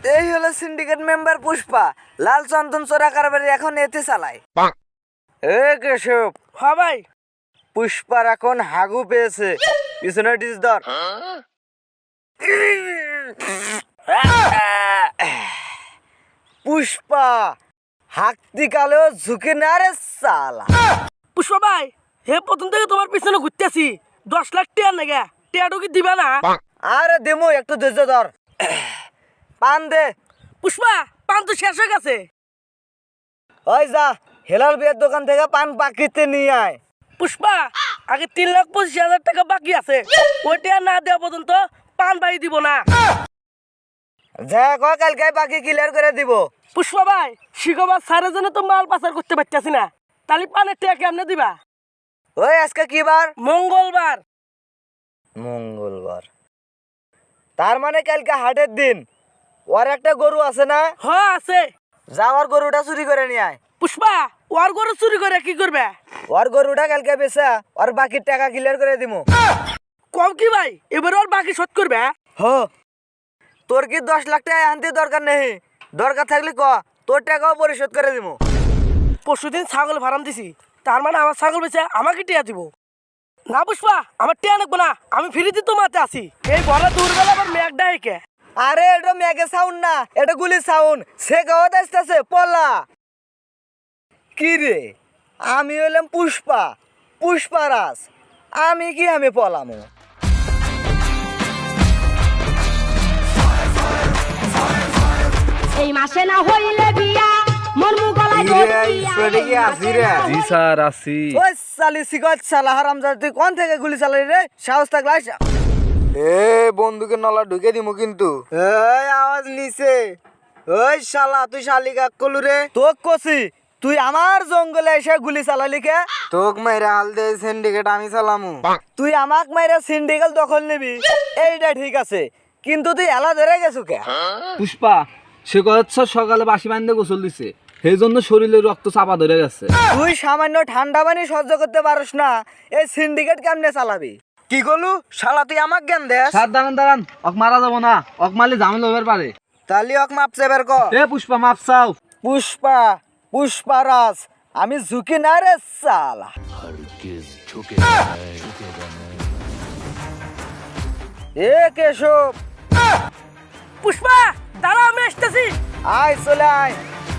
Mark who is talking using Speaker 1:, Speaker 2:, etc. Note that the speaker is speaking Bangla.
Speaker 1: এই হলো সিন্ডিকেট মেম্বার পুষ্পা, লাল চন্দন চোরা কারবারি এখন এতে চালায়। এ কেশব,
Speaker 2: হ্যাঁ ভাই।
Speaker 1: পুষ্পার এখন হাগু পেয়েছে, পিছনে ডিস ধর। পুষ্পা হাঁকতি কালেও ঝুঁকে না রে সালা।
Speaker 2: পুষ্পা ভাই, হে প্রথম থেকে তোমার পিছনে ঘুরতেছি, 10 লাখ টিয়া নেগে, টিয়াটু কি দিবা না?
Speaker 1: আরে দেমো, একটু ধৈর্য ধর। পান দে।
Speaker 2: পুষ্পা, পান তো শেষ হয়ে গেছে।
Speaker 1: ওই যা, হেলাল বিয়ের দোকান থেকে পান বাকিতে নিয়ে আয়।
Speaker 2: পুষ্পা, আগে 3,25,000 টাকা বাকি আছে, ওই টিয়া না দেওয়া পর্যন্ত পান ভাই দিব না।
Speaker 1: যা কয় কালকে বাকি ক্লিয়ার করে দিব।
Speaker 2: পুষ্পা ভাই, শিখবার সারে জন্য তো মাল পাচার করতে পারতেছি না, তাহলে পানের টিয়া কেমনে দিবা?
Speaker 1: ওই আজকে কি বার?
Speaker 2: মঙ্গলবার।
Speaker 1: মঙ্গলবার, তার মানে কালকে হাটের দিন। ওর একটা গরু আছে না?
Speaker 2: হ্যাঁ আছে।
Speaker 1: যাওয়ার গরুটা চুরি করে নিয়ে আয়।
Speaker 2: পুষ্পা, ওর গরু চুরি করে কি করবে?
Speaker 1: ওর গরুটা কালকে বেচা ওর বাকির টাকা ক্লিয়ার করে দিব।
Speaker 2: কম কি ভাই, এবার ওর বাকি শোধ করবে?
Speaker 1: হ, তোর কি 10 লাখ টাকা আনতে দরকার নেই? দরকার থাকলে ক, তোর টাকাও পরিশোধ করে দিব।
Speaker 2: পরশুদিন ছাগল ফার্ম দিছি, তার মানে আমার ছাগল বেচে আমাকে টিয়া দিব না? পুষ্পা, আমার টিয়া নেবো না, আমি ফ্রিতে তোমাতে আসি। এই বড় দূরবেলা আবার মেঘ ডাইকে।
Speaker 1: আরে এটা মেঘে সাউন্ড না, এটা গুলি সাউন্ড। সে গাওয়াতে আসতেছে পলা। কি রে, আমি হইলাম পুষ্পা, পুষ্পারাজ। আমি পলামো।
Speaker 3: এই মাসে না হইলে বিয়া মন মুগলায়
Speaker 4: জি স্যার আছি।
Speaker 1: ওই সালি সিগত সালা হারামজাদা, তুই কোন থেকে গুলি চালালি রে? সাহস থাকলে আইস। এ বন্দুকের নলা ঢুকে দিমু কিন্তু। এই আওয়াজ নিছে। ওই শালা, তুই শালি কাক কলু রে? তোক কছি, তুই আমার জঙ্গলে এসে গুলি চালালি কে? তোক মাইরা হাল দে সিন্ডিকেট আমি চালামু। তুই আমাক মাইরা সিন্ডিকেট দখল নিবি, এইটা ঠিক আছে, কিন্তু তুই এলা ধরে গেছু কে?
Speaker 4: পুষ্পা, সে কথা সকালে বাসি বান্ধে গোসল দিছে, সেই জন্য শরীরে রক্ত চাপা ধরে গেছে।
Speaker 1: তুই সামান্য ঠান্ডা পানি সহ্য করতে পারস না, এই সিন্ডিকেট কেমনে চালাবি? কি করলু শালা, তুই আমাক জ্ঞান দেস?
Speaker 4: স্যার দাঁড়ান দাঁড়ান, অক মারা যাবো না, অক মারলে ঝামেলা হবার পারে।
Speaker 1: তালি অক মাপছে বের ক।
Speaker 4: এ পুষ্পা মাপ চাও।
Speaker 1: পুষ্পা, পুষ্পারাজ, আমি ঝুঁকি না রে সালা। এ কেশব,
Speaker 2: পুষ্পা, দাঁড়া, আমি আসতেছি।
Speaker 1: আয় চলে আয়।